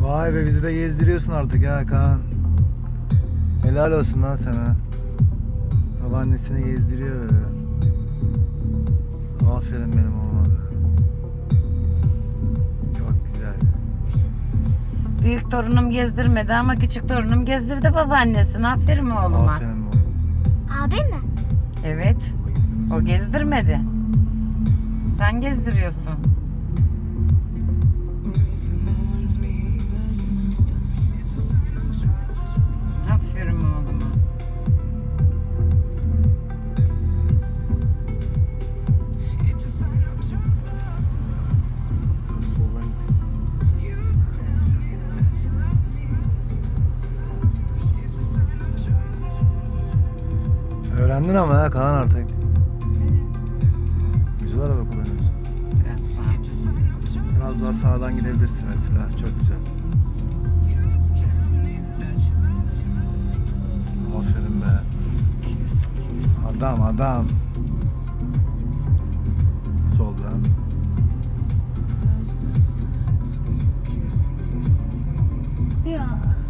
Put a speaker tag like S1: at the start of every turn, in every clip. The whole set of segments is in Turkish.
S1: Vay be, bizi de gezdiriyorsun artık ya Kaan. Helal olsun lan sana. Babaannesini gezdiriyor böyle. Aferin benim oğluma. Çok güzel.
S2: Büyük torunum gezdirmedi ama küçük torunum gezdirdi babaannesini. Aferin oğluma.
S1: Aferin oğlum.
S3: Abi mi?
S2: Evet. O gezdirmedi. Sen gezdiriyorsun. Aferin oğluma.
S1: Soldan git. Öğrendin ama ya Kaan artık. Güzel araba kullanıyorsun.
S2: Biraz sağ.
S1: Biraz daha sağdan gidebilirsin mesela. Çok güzel. Aferin be. Adam adam. Soldan.
S3: Ya.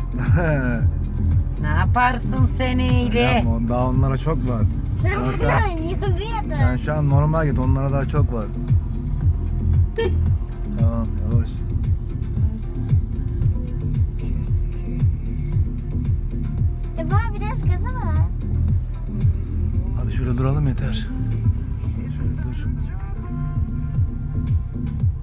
S2: Ne yaparsın sen öyle?
S1: Yapma, daha onlara çok var.
S3: Sen
S1: Ama
S3: bunu
S1: sen,
S3: oynuyordun.
S1: sen şu an normal git, onlara daha çok var. Tamam, yavaş.
S3: Baba biraz gaza var.
S1: Hadi şöyle duralım yeter. Şöyle dur.